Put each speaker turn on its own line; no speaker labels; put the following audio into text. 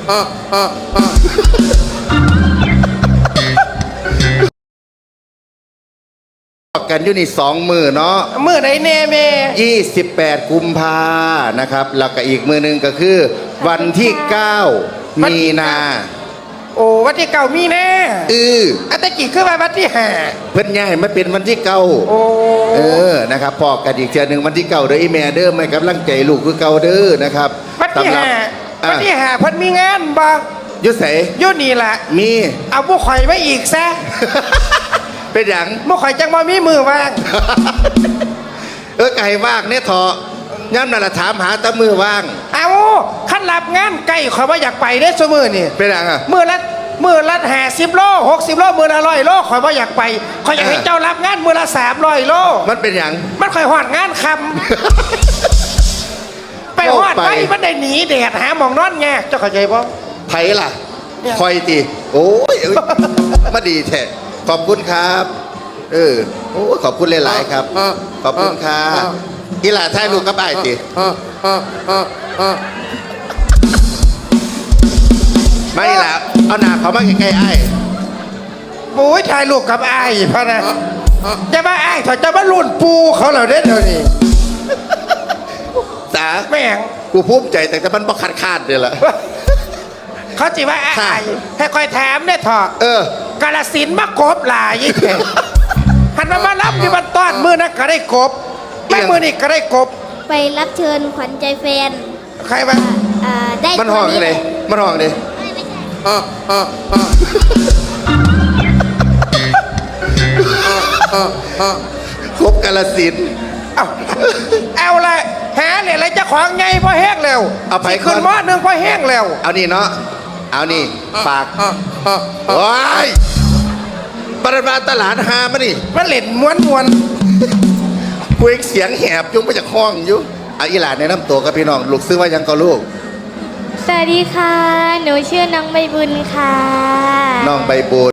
กันอยู่นี่2 มื้อเนาะ
มื้อใดแน่แม่
28 กุมภานะครับแล้วก็อีกมื้อนึงก็คือวันที่9 มีนา
โอ้วันที่9 มีนาอันตะกี้คือวันที่5
เพิ่นย้ายมาเป็นวันที่9
โอ้
นะครับพอกันอีกเทื่อนึงวันที่9เด้ออีแม่เด้อให้กำลังใจลูกคือเก่าเด้อนะครับ
วันที่5วันที่5เพิ่นมีงานบ่
อยู่ไส
อยู่นี่ล่ะ
มี
เอาผู้ข่อยไว้อีกซะ
เป็นหยัง
ผู้ข่อยจังบ่มีมือว่าง
ไก่ว่างเนี่ยเถาะย่ำนั่นละถามหาตะมือว่าง
เอาขั้นรับงานไก่ข่อยว่าอยากไปได้ซุมื้อนี่
เป็นหยัง
มื้อละ50 โล60 โลมื้อละ100 โลข่อยว่าอยากไปข่อยอยากให้เจ้ารับงานมื้อละ300 โล
มันเป็นหยัง
มันข่อยฮอดงานค่ำไปฮอดไปมันได้หนีแดดหาหมองนอนแง่เจ้าเข้าใจบ่
ไผล่ะคอยตีโอ้ยมาดีแท้ขอบคุณครับโอ้ขอบคุณหลายๆครับขอบคุณครับอีหล่าถ่ายรูปกับไอ้ตีไม่ล่ะเอาหน้าเขามาใกล้ๆไอ้
โอ้ยถ่ายรูปกับไอ้พะนะจะมาไอ้ถอยจะมาลุ่นปูเขาเหล่านี้เดี๋ยวนี้
จ๋า
แม่ง
กูภูมิใจแต่มันบ่ขาดเลยล่ะ
เขาจีว่าไอ้ให้คอยแถมเนี่ยเถอะกาลสินมากบหลายยิ่งแหันมารับที่มันต้อนมือนะก็ได้กบแม่มือนี่ก็ได้กบ
ไปรับเชิญขวัญใจแฟน
ใครบ้าง
ได้
มันห้องเลยมันห้องเลยครบกาลสิน
เอาเลยหาเนี่ยอะไรจะของไงพอแห้งแล้ว
เอาไป
ขึ้นมอนึงพอแห้งแล้ว
เอานี่เนาะเอานี่ฝากว้ายปรมาตลาดหามานี่
มันเล่นม้วน
คุยเสียงแหบยุ่งไปจากห้องอยู่อีหลานแนะนำตัวกับพี่น้องลูกซื้อว่ายังก็ลูก
สวัสดีค่ะหนูชื่อน้องใบบุญค่ะ
น้องใบบุญ